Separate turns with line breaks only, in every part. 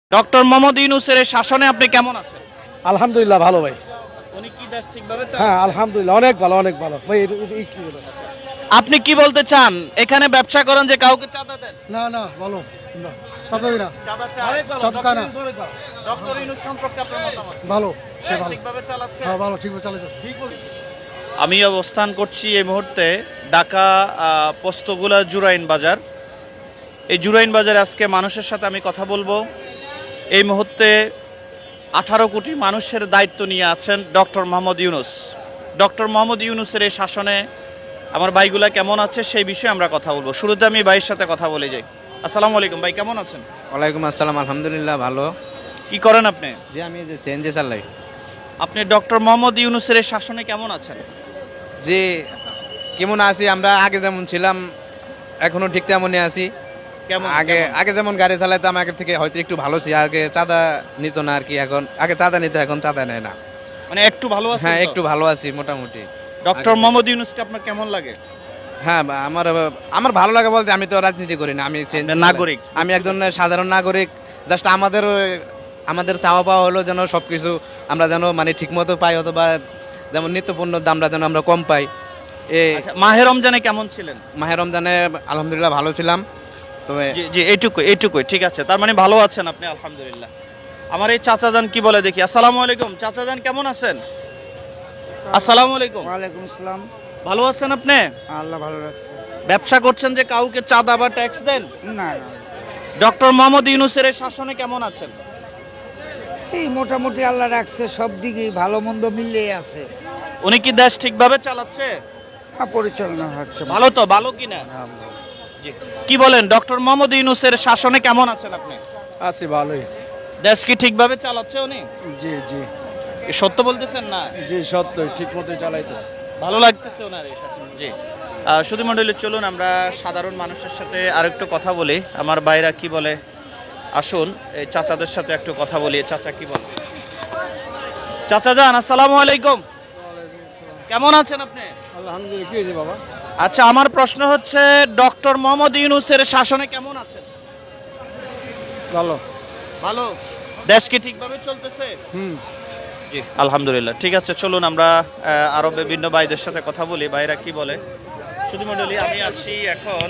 Doctor Mohammad ইউনূসের এই শাসনে আপনি কেমন আছেন?
আলহামদুলিল্লাহ ভালো ভাই।
উনি কি দেশ ঠিকভাবে চালান?
হ্যাঁ আলহামদুলিল্লাহ অনেক ভালো অনেক ভালো ভাই। এই কি বলে?
আপনি কি বলতে চান? এখানে ব্যবসা করেন যে কাউকে চাঁদা দেন?
না না ভালো না চাঁদাই না
চাঁদা চায়?
চাঁদা চায় না
ডক্টর ইউনূস সম্পর্কে আপনার মতামত?
ভালো সে
দেশ
ভালো
ঠিকভাবে চালাচ্ছে?
হ্যাঁ ভালো ঠিকভাবে চালাইতেছে।
আমি অবস্থান করছি এই মুহূর্তে ঢাকা পোস্তগোলা জুরাইন বাজার। এই জুরাইন বাজারে আজকে মানুষের সাথে আমি কথা বলবো। এই মুহূর্তে 18 কোটি মানুষের দায়িত্ব নিয়ে আছেন ডক্টর মোহাম্মদ ইউনূস। ডক্টর মোহাম্মদ ইউনূসের এই শাসনে আমার ভাইগুলা কেমন আছে সেই বিষয়ে আমরা কথা বলবো। শুরুতে আমি ভাইয়ের সাথে কথা বলে যাই। আসসালামু আলাইকুম ভাই, কেমন আছেন?
ওয়ালাইকুম আসসালাম, আলহামদুলিল্লাহ ভালো।
কি করেন আপনি?
যে আমি যে চেঞ্জে চালাই।
আপনি ডক্টর মোহাম্মদ ইউনূসের এই শাসনে কেমন আছেন?
যে কেমন আছি আমরা, আগে যেমন ছিলাম এখনো ঠিক তেমনই আছি।
কেমন
আগে
কেমন?
আগে যেমন গাড়ি চালাইতাম আগের থেকে হয়তো একটু ভালো ছিল। আগে চাঁদা নিত না আর কি, এখন আগে চাঁদা নিত এখন চাঁদা নেয় না।
মানে একটু ভালো আছেন?
হ্যাঁ
তো?
একটু ভালো আছি মোটামুটি।
ডক্টর মোহাম্মদ ইউনূসকে আপনার কেমন লাগে?
হ্যাঁ আমার আমার ভালো লাগে বলতে আমি তো রাজনীতি করি না, আমি চেঞ্জ
আপনি নাগরিক?
আমি একজন সাধারণ নাগরিক। জাস্ট আমাদের আমাদের চাওয়া পাওয়া হলো যেন সব কিছু আমরা যেন মানে ঠিক মতো পাই, অথবা যেমন নিত্যপণ্যর দামটা যেন আমরা কম পাই।
আচ্ছা, মাহে রমজানে কেমন ছিলেন?
মাহে রমজানে আলহামদুলিল্লাহ ভালো ছিলাম। তবে
জি জি, এইটুকুই ঠিক আছে। তার মানে ভালো আছেন আপনি, আলহামদুলিল্লাহ। আমার এই চাচাজান কি বলে দেখি। আসসালামু আলাইকুম চাচাজান, কেমন আছেন? আসসালামু আলাইকুম।
ওয়ালাইকুম আসসালাম।
ভালো আছেন আপনি?
আল্লাহ ভালো রাখছে।
ব্যবসা করছেন যে কাউকে চাঁদা বা ট্যাক্স দেন?
না
ডক্টর মোহাম্মদ ইউনূসের এই শাসনে কেমন আছেন?
সেই মোটামুটি আল্লাহ রাখছে, সব দিকেই ভালো মন্দ মিলিয়ে আছে।
উনি কি দেশ ঠিকভাবে চালাচ্ছে?
পরিচালনা হচ্ছে
ভালো তো, ভালো কিনা? জি। কি বলেন, ডক্টর মোহাম্মদ ইউনূসের শাসনে কেমন আছেন আপনি?
আছি ভালোই।
দেশ কি ঠিকভাবে চালাচ্ছে উনি?
জি জি
কি সত্য বলতেছেন না?
জি সত্যই ঠিক মতোই চালাইতেছে।
ভালো লাগতেছে ওনার এই শাসন। জি। সুধী মণ্ডলী, চলুন আমরা সাধারণ মানুষের সাথে আরেকটু কথা বলি। আমার ভাইরা কি বলে, আসুন এই চাচাদের সাথে একটু কথা বলি। চাচা কি বলে? চাচা যান, আসসালামু আলাইকুম। কেমন আছেন আপনি?
আলহামদুলিল্লাহ। কি হয়েছে বাবা?
আচ্ছা, আমার প্রশ্ন হচ্ছে ডক্টর মোহাম্মদ ইউনূসের শাসনে কেমন আছেন?
ভালো।
ভালো। দেশ কি ঠিকভাবে চলতেছে? জি আলহামদুলিল্লাহ। ঠিক আছে, চলুন আমরা আরো বিভিন্ন ভাইদের সাথে কথা বলি। ভাইরা কি বলে। শুধু মণ্ডলী, আমি আছি এখন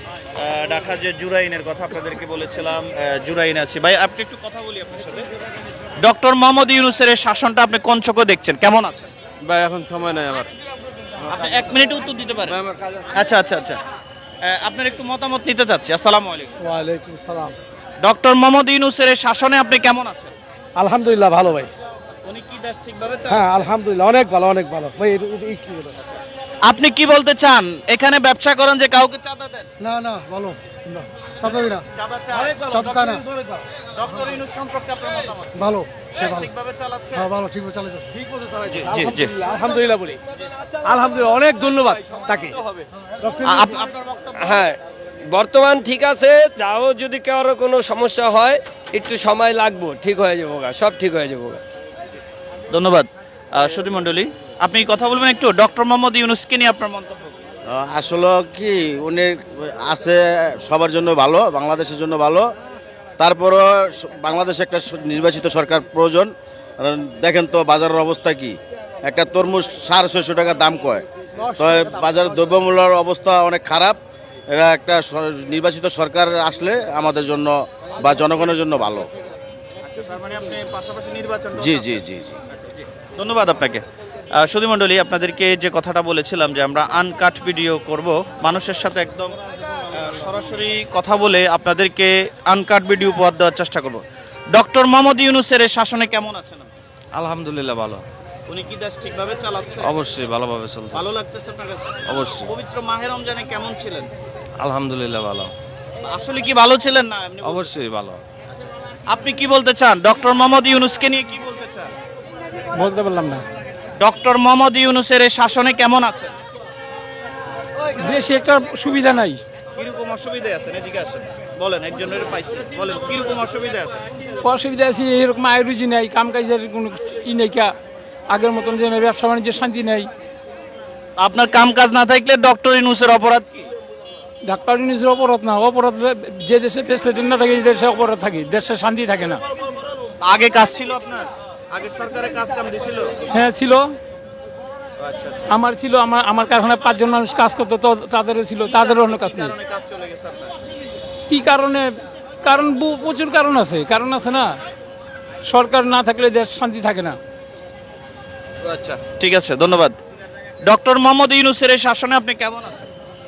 ঢাকা যে জুরাইনের কথা আপনাদেরকে বলেছিলাম, জুরাইনে আছি। ভাই আপনি একটু কথা বলি আপনার সাথে। ডক্টর মোহাম্মদ ইউনূসের এই শাসনটা আপনি কোন চোখে দেখছেন, কেমন আছেন?
ভাই এখন সময় নাই আমার।
আপনি 1 মিনিটে উত্তর দিতে পারেন? আচ্ছা আচ্ছা আচ্ছা। আপনার একটু মতামত নিতে চাচ্ছি। আসসালামু আলাইকুম।
ওয়ালাইকুম আসসালাম।
ডক্টর মোহাম্মদ ইউনূসের এই শাসনে আপনি কেমন আছেন?
আলহামদুলিল্লাহ ভালো ভাই।
উনি কি দেশ ঠিকভাবে
হ্যাঁ
চালান?
আলহামদুলিল্লাহ অনেক ভালো অনেক ভালো ভাই। এই কি বলে?
আপনি কি বলতে চান? এখানে ব্যবসা করেন যে কাউকে চাঁদা দেন?
না না ভালো না চাঁদাই না
চাঁদা চায়?
চাঁদা চায় না
ডক্টর ইউনূস সম্পর্কে আপনার মতামত?
ভালো সে
দেশ
ভালো।
ঠিকভাবে চালাচ্ছে?
হ্যাঁ ভালো ঠিকভাবে চালাইতেছে।
জি জি জি।
আলহামদুলিল্লাহ বলি। আলহামদুলিল্লাহ অনেক ধন্যবাদ তাকে।
আপনার বক্তব্য?
হ্যাঁ বর্তমান ঠিক আছে, যাও যদি কারো কোনো সমস্যা হয় একটু সময় লাগবো, ঠিক হয়ে যাবো গা, সব ঠিক হয়ে যাবো গা।
ধন্যবাদ। সুধী মণ্ডলী, আপনি কথা বলবেন একটু ডক্টর মোহাম্মদ ইউনূসকে নিয়ে আপনার মন্তব্য?
আসলে কি উনি আছে সবার জন্য ভালো, বাংলাদেশের জন্য ভালো। তারপরও বাংলাদেশে একটা নির্বাচিত সরকার প্রয়োজন। কারণ দেখেন তো বাজারের অবস্থা কি, একটা তরমুজ 650 টাকা দাম কয়। তো বাজারের দ্রব্যমূল্যের অবস্থা অনেক খারাপ। এরা একটা নির্বাচিত সরকার আসলে আমাদের জন্য বা জনগণের জন্য ভালো।
আচ্ছা, তার মানে আপনি পাশাপাশি নির্বাচন?
জি জি জি জি।
ধন্যবাদ আপনাকে। সুধী মণ্ডলী, আপনাদেরকে যে কথাটা বলেছিলাম যে আমরা আনকাট ভিডিও করব, মানুষের সাথে একদম সরাসরি কথা বলে আপনাদেরকে আনকাট ভিডিও উপহার দেওয়ার চেষ্টা করব। ডক্টর মোহাম্মদ ইউনূসের এই শাসনে কেমন আছেন আপনি?
আলহামদুলিল্লাহ ভালো।
উনি কি দেশ ঠিকভাবে চালাচ্ছে?
অবশ্যই ভালোভাবে চলছে।
ভালো লাগতেছে আপনার কাছে?
অবশ্যই।
পবিত্র মাহে রমজানে কেমন ছিলেন?
আলহামদুলিল্লাহ ভালো।
আসলে কি ভালো ছিলেন না এমনি?
অবশ্যই ভালো।
আপনি কি বলতে চান? ডক্টর মোহাম্মদ ইউনূসকে নিয়ে কি বলতে চান?
বুঝতে পারলাম না।
ডক্টর মোহাম্মদ ইউনূসের এই শাসনে কেমন আছেন?
বেশি একটা সুবিধা নাই।
কিরকম অসুবিধা আছে? এদিকে আসেন, বলেন। একজনের পাইছে, বলেন কিরকম অসুবিধা আছে?
অসুবিধা আছে এরকম আয় রুজি নাই, কাম কাজের কোনো ই নেই, আগের মতন যে ব্যবসা বাণিজ্যের শান্তি নেই।
আপনার কাম কাজ না থাকলে ডক্টর ইউনূসের অপরাধ কি?
ডাক্তার নিজের অপরাধ না, অপরাধ যে দেশে প্রেসিডেন্ট না থাকে, যে দেশে অপরাধ থাকে, দেশে শান্তি থাকে না।
আগে কাজ ছিল আপনার, আগে সরকারের কাজ কাম দিছিল?
হ্যাঁ ছিল,
আচ্ছা,
আমার ছিল, আমার কারখানায় 5 জন মানুষ কাজ করতো, তো তাদেরও ছিল, তাদেরও অন্য কাজ নেই।
কারণে কাজ চলে গেছে আপনার?
কি কারণে? কারণ প্রচুর কারণ আছে না। সরকার না থাকলে দেশ শান্তি থাকে না।
আচ্ছা, ঠিক আছে, ধন্যবাদ। ডক্টর মোহাম্মদ ইউনূসের এই শাসনে আপনি কেমন আছেন?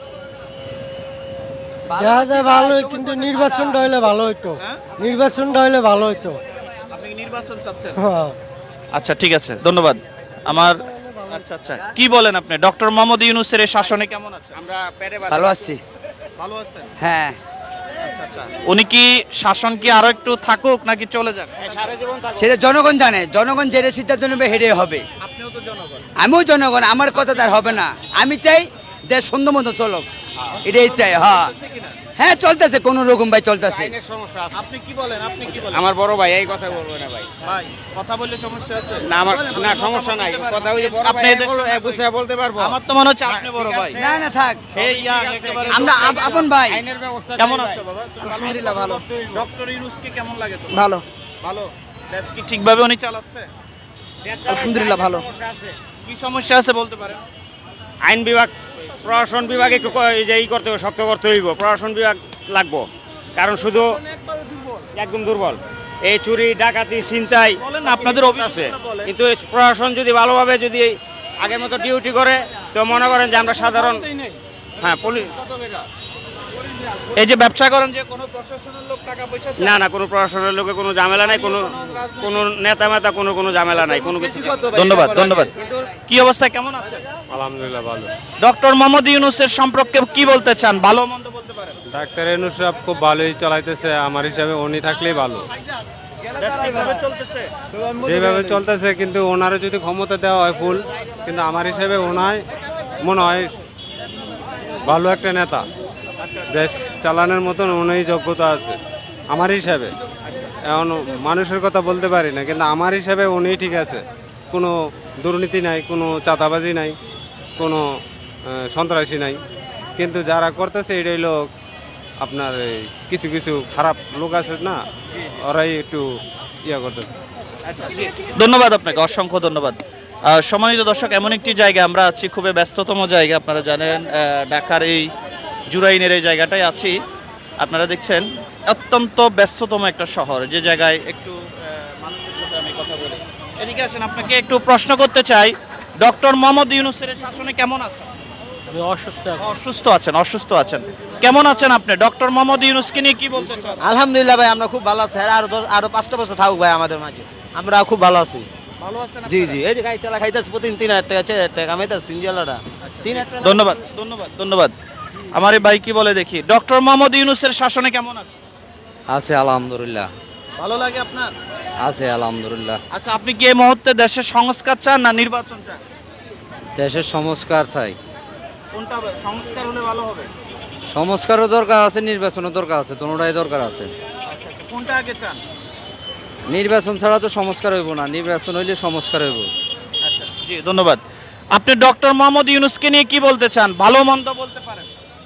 দেখা যায় ভালোই, কিন্তু নির্বাচনটা হইলে ভালো হইতো।
হ্যাঁ?
নির্বাচনটা হইলে ভালো হইতো।
আপনি কি নির্বাচন চাচ্ছেন?
হ্যাঁ।
আচ্ছা, ঠিক আছে, ধন্যবাদ। আমার আচ্ছা, কি বলেন আপনি ডক্টর মোহাম্মদ ইউনূসের এই শাসনে কেমন আছেন?
ভালো আছি।
ভালো আছেন?
হ্যাঁ,
আচ্ছা, উনি কি শাসন কি আরো একটু থাকুক নাকি চলে যাক?
সেটা জনগণ জানে, জনগণ যেটা সিদ্ধান্ত নেবে হেডে হবে।
আপনিও তো জনগণ।
আমিও জনগণ, আমার কথা তার হবে না। আমি চাই দেশ সুন্দর মতো চলুক, এটাই চাই। হ্যাঁ হ্যাঁ, চলতেছে কোন রকম ভাই, চলতেছে।
আপনি কি বলেন? আপনি কি বলেন?
আমার বড় ভাই এই কথা বলবো না ভাই।
ভাই, কথা বললে সমস্যা আছে?
না আমার না সমস্যা নাই, কথা ওই যে বড়
আপনি
ভাই
এদের সঙ্গে
বুঝে বলতে পারবো।
আমার তো মনে হচ্ছে আপনি বড় ভাই।
না না, থাক,
এই ইয়াং একেবারে
আমরা আপন ভাই।
আইনের ব্যবস্থা
কেমন আছো বাবা?
আলহামদুলিল্লাহ ভালো।
ডক্টর ইউনূসকে কেমন লাগে তোমার?
ভালো,
ভালো। দেশ কি ঠিকভাবে উনি চালাচ্ছে?
আলহামদুলিল্লাহ ভালো।
কি সমস্যা আছে বলতে পারেন?
আইন বিভাগ, প্রশাসন বিভাগ একটু করতে হবে, শক্ত করতে হইব। প্রশাসন বিভাগ লাগবো, কারণ শুধু একদম দুর্বল। এই চুরি ডাকাতি ছিনতাই
বলেন না, আপনাদের
আছে,
অভিযোগটা বলেন।
কিন্তু এই প্রশাসন যদি ভালোভাবে যদি আগের মতো ডিউটি করে, তো মনে করেন যে আমরা সাধারণ হ্যাঁ পুলিশ
এই যে ব্যবসা করেন, যে কোনো প্রশাসনের লোক টাকা পয়সা চায়?
না না, কোনো প্রশাসনের লোকে কোনো ঝামেলা নাই, কোনো নেতা মেতা কোনো ঝামেলা নাই, কোনো কিছু।
ধন্যবাদ, ধন্যবাদ। কি অবস্থা, কেমন আছে?
আলহামদুলিল্লাহ ভালো।
ডক্টর মোহাম্মদ ইউনূসের সম্পর্কে কি বলতে চান? ভালো মন্দ বলতে পারেন?
ডাক্তার ইউনূস সাহেব খুব ভালোই চালাইতেছে, আমার হিসাবে উনি থাকলেই ভালো।
দেশ ঠিকভাবে চলতেছে?
যেভাবে চলতেছে, কিন্তু ওনারও যদি ক্ষমতা দেওয়া হয় ফুল, কিন্তু আমার হিসাবে ওনায় মনে হয় ভালো একটা নেতা, দেশ চালানোর মতন উনি যোগ্যতা আছে আমার হিসাবে। এখন মানুষের কথা বলতে পারি না, কিন্তু আমার হিসাবে উনি ঠিক আছে। কোনো দুর্নীতি নাই, কোনো চাঁদাবাজি নাই, কোনো সন্ত্রাসী নাই, কিন্তু যারা করতেছে এটাই লোক আপনার এই কিছু কিছু খারাপ লোক আছে না, ওরাই একটু ইয়া করতেছে।
ধন্যবাদ আপনাকে, অসংখ্য ধন্যবাদ। সম্মানিত দর্শক, এমন একটি জায়গা আমরা আছি, খুবই ব্যস্ততম জায়গা, আপনারা জানেন ঢাকার এই জুরাইনের এই জায়গাটায় আছি। আপনারা দেখছেন অত্যন্ত ব্যস্ততম একটা শহর, যে জায়গায় একটু মানুষের সাথে আমি কথা বলি। এদিকে আসেন, আপনাকে একটু প্রশ্ন করতে চাই, ডক্টর মোহাম্মদ ইউনূসের শাসনে কেমন আছেন? অসুস্থ আছেন। কেমন আছেন আপনি? ডক্টর মোহাম্মদ ইউনূসকে নিয়ে কি বলতে চান?
আলহামদুলিল্লাহ ভাই, আমরা খুব ভালো আছি। আরো 5টা বছর থাকুক ভাই আমাদের মাঝে, আমরা খুব ভালো আছি।
ভালো আছেন?
জি জি, এই যে গাড়ি চালা খাইতেছি প্রতিদিন 3000 টাকা 4000 টাকা কামাইতেছি সিনজিয়ালাটা 3000 টাকা।
ধন্যবাদ, ধন্যবাদ, ধন্যবাদ। আমার এই ভাই কি বলে দেখি, ডক্টর মোহাম্মদ ইউনূসের শাসনে কেমন আছে?
আছে আলহামদুলিল্লাহ,
ভালো লাগে আপনার?
আছে আলহামদুলিল্লাহ।
আচ্ছা, আপনি কি এই মুহূর্তে দেশের সংস্কার চান না নির্বাচন চান?
দেশের সংস্কার চাই,
কোনটা হবে? সংস্কার হলে ভালো হবে?
সংস্কারও দরকার আছে, নির্বাচনও দরকার আছে, দুটোটাই দরকার আছে।
আচ্ছা, কোনটা আগে চান?
নির্বাচন ছাড়া তো সংস্কার হইব না, নির্বাচন হইলে সংস্কার হইব।
আচ্ছা, জি, ধন্যবাদ। আপনি ডক্টর মোহাম্মদ ইউনূসকে নিয়ে কি বলতে চান? ভালো মন্দ বলতে পারেন?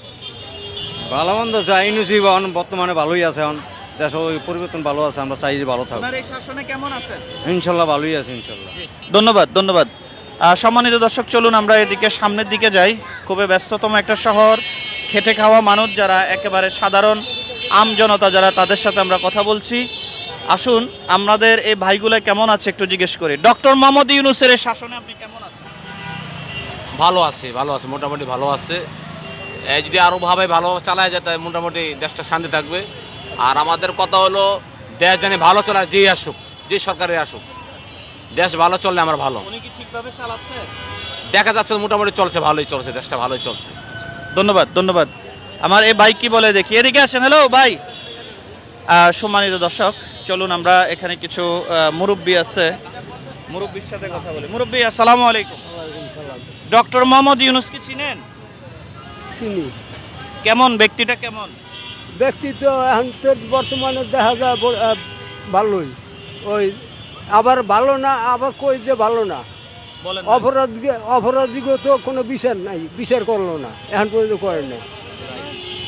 ভালো মন্দ চাই ইউনূসই বর্তমানে ভালোই আছে, এখন দেশ ওই পরিবর্তন ভালো আছে, আমরা চাই যে ভালো থাকুক।
আপনার এই শাসনে কেমন আছেন?
ইনশাল্লাহ ভালোই আছে, ইনশাল্লাহ।
ধন্যবাদ, ধন্যবাদ। সম্মানিত দর্শক, চলুন আমরা এদিকে সামনের দিকে যাই। খুবই ব্যস্ততম একটা শহর, খেটে খাওয়া মানুষ যারা, একেবারে সাধারণ আম জনতা যারা, তাদের সাথে আমরা কথা বলছি। আসুন আমাদের এই ভাইগুলো কেমন আছে একটু জিজ্ঞেস করি। ডক্টর মোহাম্মদ ইউনূসের এই শাসনে আপনি কেমন আছেন?
ভালো আছে, মোটামুটি ভালো আছে। যদি আরও ভাবে ভালো চালায় যায়, তাই মোটামুটি দেশটা শান্তি থাকবে। আর আমাদের কথা হলো, দেশ জানি ভালো চলায়, যেই আসুক, যে সরকারে আসুক, দেশ ভালো চললে আমার ভালো।
উনি কি ঠিকভাবে চালাচ্ছে?
দেখা যাচ্ছে মোটামুটি চলছে, ভালোই চলছে, দেশটা ভালোই চলছে।
ধন্যবাদ, ধন্যবাদ। আমার এই ভাই কি বলে দেখি, এদিকে আসেন। হ্যালো ভাই। সম্মানিত দর্শক, চলুন আমরা এখানে কিছু মুরব্বী আছে, মুরব্বীর সাথে কথা বলি। মুরব্বী, আসসালামু আলাইকুম। ডক্টর মোহাম্মদ ইউনূস কি চিনেন?
চিনি,
কেমন ব্যক্তিটা, কেমন
ব্যক্তি তো এখন তো বর্তমানে দেখা যায় ভালোই, ওই আবার ভালো না, আবার কই যে ভালো না।
বলেন?
অপরাধীকে তো কোনো বিচার নাই, বিচার করলো না, এখন পর্যন্ত করে না।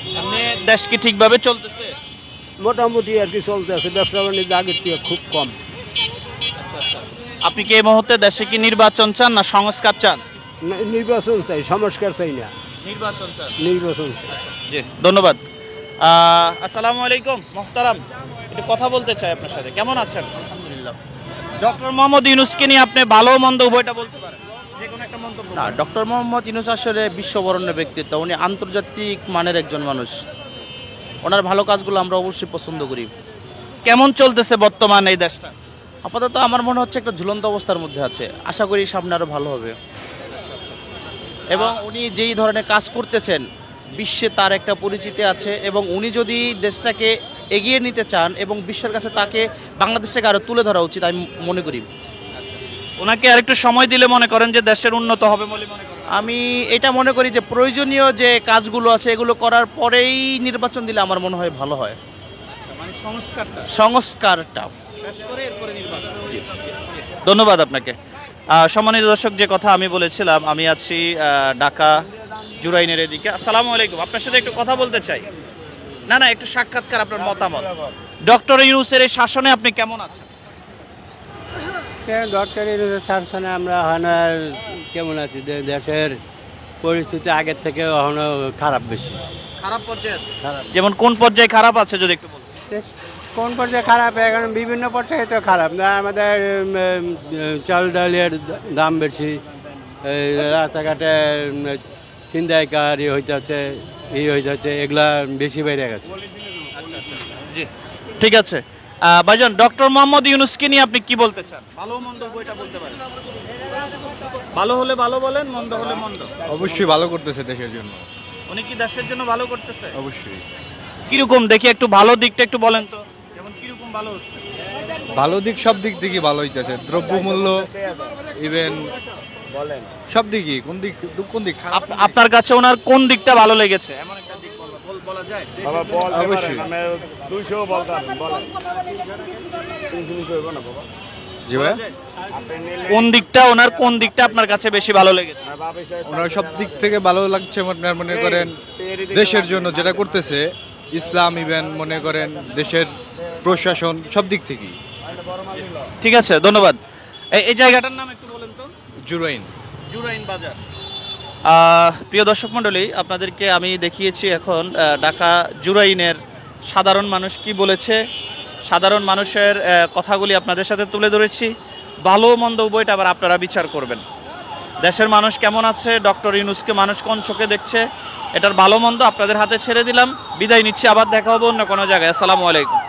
এমনি দেশ কি ঠিকভাবে চলতেছে?
মোটামুটি আর কি চলতে আছে, ব্যবসা বাণিজ্য আগের থেকে খুব কম।
আপনি কি এই মুহূর্তে দেশে কি নির্বাচন চান না সংস্কার চান?
নির্বাচন চাই, সংস্কার চাই না,
নির্বাচন চান।
নির্বাচন চাই।
জি ধন্যবাদ। আসসালামু আলাইকুম মোহতারাম, একটু কথা বলতে চাই আপনার সাথে। কেমন আছেন?
আলহামদুলিল্লাহ।
ডক্টর মোহাম্মদ ইউনূসকে নিয়ে আপনি ভালো মন্দ উভয়টা বলতে পারেন, যে কোনো একটা মন্তব্য
না, ডক্টর মোহাম্মদ ইউনূস আসলে বিশ্ববরণ্য ব্যক্তিত্ব, উনি আন্তর্জাতিক মানের একজন মানুষ। ওনার ভালো কাজগুলো আমরা অবশ্যই পছন্দ করি।
কেমন চলতেছে বর্তমান এই দেশটা?
আপাতত আমার মনে হচ্ছে একটা ঝুলন্ত অবস্থার মধ্যে আছে, আশা করি সামনে আরও ভালো হবে। এবং উনি যেই ধরনের কাজ করতেছেন বিশ্বে তার একটা পরিচিতি আছে, এবং উনি যদি দেশটাকে এগিয়ে নিতে চান এবং বিশ্বের কাছে তাকে বাংলাদেশটাকে আরও তুলে ধরা উচিত আমি মনে করি।
ওনাকে আরেকটু সময় দিলে মনে করেন যে দেশের উন্নত হবে বলে মনে করেন?
আমি এটা মনে করি যে প্রয়োজনীয় যে কাজগুলো আছে এগুলো করার পরেই নির্বাচন দিলে আমার মনে হয় ভালো হয়।
মানে
সংস্কারটা।
ধন্যবাদ আপনাকে। সম্মানিত দর্শক, যে কথা আমি বলেছিলাম, আমি আছি ঢাকা জুরাইনের এদিকে। আসসালামু আলাইকুম, আপনার সাথে একটু কথা বলতে চাই। না না, একটু সাক্ষাৎকার, আপনার মতামত। ডক্টর ইউনূসের এই শাসনে আপনি কেমন আছেন?
ডক্টর ইউনূসের শাসনে আমরা এখন কেমন আছি, দেশের পরিস্থিতি আগের থেকে এখনো খারাপ, বেশি
খারাপ পর্যায়ে আছে? যেমন কোন পর্যায়ে খারাপ আছে যদি একটু বলতেন?
কোন পর্যায়ে খারাপ, এখন বিভিন্ন পর্যায়ে তো খারাপ না। আমাদের চাল ডালের দাম বেশি, রাস্তাঘাটে ছিনতাইকারী হইতেছে, হইতেছে, এগুলা বেশি বেড়ে গেছে।
জি ঠিক আছে। ভাইজান, ডক্টর মোহাম্মদ ইউনূসকে নিয়ে আপনি কি বলতে চান? ভালো মন্দ বইটা বলতে পারেন? ভালো হলে ভালো বলেন, মন্দ হলে মন্দ।
অবশ্যই ভালো করতেছে দেশের জন্য,
উনি কি দেশের জন্য ভালো করতেছে?
অবশ্যই।
কিরকম দেখি একটু ভালো দিকটা একটু বলেন তো, যেমন কিরকম ভালো হচ্ছে?
ভালো দিক সব দিক থেকে ভালো হইতেছে, দ্রব্যমূল্য ইভেন সব দিকই। কোন দিক খারাপ?
আপনার কাছে ওনার কোন দিকটা ভালো লেগেছে? এমন একটা দিক বলা যায়?
অবশ্যই। জি ভাই,
কোন দিকটা, ওনার কোন দিকটা আপনার কাছে বেশি ভালো লেগেছে?
ওনার সব দিক থেকে ভালো লাগছে। আপনার মনে করেন দেশের জন্য যেটা করতেছে, ইসলাম ইভেন মনে করেন দেশের প্রশাসন, সব দিক থেকেই।
ঠিক আছে, ধন্যবাদ। এই জায়গাটার নাম একটু বলেন তো।
জুরাইন
বাজার। প্রিয় দর্শক মণ্ডলী, আপনাদেরকে আমি দেখিয়েছি এখন ঢাকা জুরাইনের সাধারণ মানুষ কি বলেছে, সাধারণ মানুষের কথাগুলি আপনাদের সাথে তুলে ধরেছি। ভালো মন্দ উভয়টা আবার আপনারা বিচার করবেন। দেশের মানুষ কেমন আছে, ডক্টর ইউনূসকে মানুষ কোন চোখে দেখছে, এটার ভালো মন্দ আপনাদের হাতে ছেড়ে দিলাম। বিদায় নিচ্ছি, আবার দেখা হবে অন্য কোনো জায়গায়। আসসালামু আলাইকুম।